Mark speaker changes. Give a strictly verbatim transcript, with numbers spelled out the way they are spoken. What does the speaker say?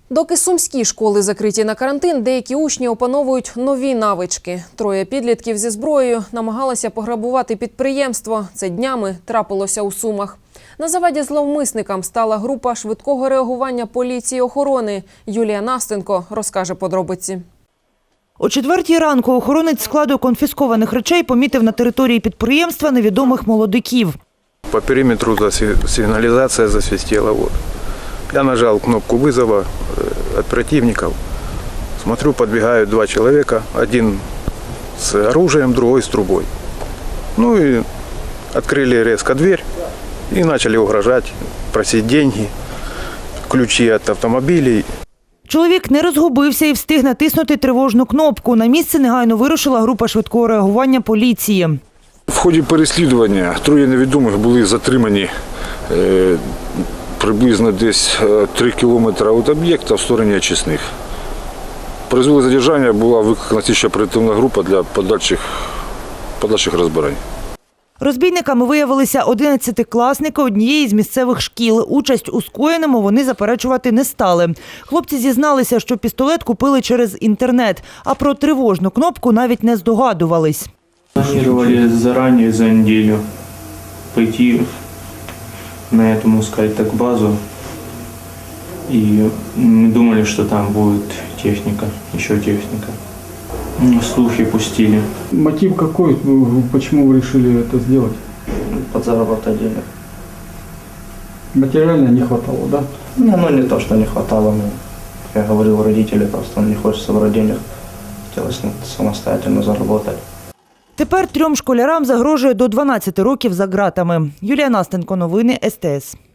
Speaker 1: Доки сумські школи закриті на карантин, деякі учні опановують нові навички. Троє підлітків зі зброєю намагалися пограбувати підприємство. Це днями трапилося у Сумах. На заваді зловмисникам стала група швидкого реагування поліції охорони. Юлія Настенко розкаже подробиці.
Speaker 2: О четвертій ранку охоронець складу конфіскованих речей помітив на території підприємства невідомих молодиків.
Speaker 3: По периметру сигналізація засвистела. Вот. Я нажал кнопку вызова от противников. Смотрю, подбегают два человека. Один с оружием, другой с трубой. Ну и открыли резко дверь и начали угрожать, просить деньги, ключи от автомобилей.
Speaker 2: Чоловік не розгубився і встиг натиснути тривожну кнопку. На місце негайно вирушила група швидкого реагування поліції.
Speaker 4: В ході переслідування троє невідомих були затримані е, приблизно десь три кілометри від об'єкта в стороні очисних. Призвели задержання, була викликана слідча оперативна група для подальших, подальших розбирань.
Speaker 2: Розбійниками виявилися одинадцятикласники однієї з місцевих шкіл. Участь у скоєному вони заперечувати не стали. Хлопці зізналися, що пістолет купили через інтернет, а про тривожну кнопку навіть не здогадувались.
Speaker 5: Планировали заранее, за неделю, пойти на эту, можно сказать так, базу. И мы думали, что там будет техника, еще техника. Слухи пустили.
Speaker 6: Мотив какой? Почему вы решили это сделать?
Speaker 5: Подзаработать денег.
Speaker 6: Материально не хватало, да?
Speaker 5: Не, ну не то, что не хватало. Но я говорил родителям, просто не хочется собрать денег. Хотелось самостоятельно заработать.
Speaker 2: Тепер трьом школярам загрожує до дванадцяти років за ґратами. Юлія Настенко, новини ес те ес.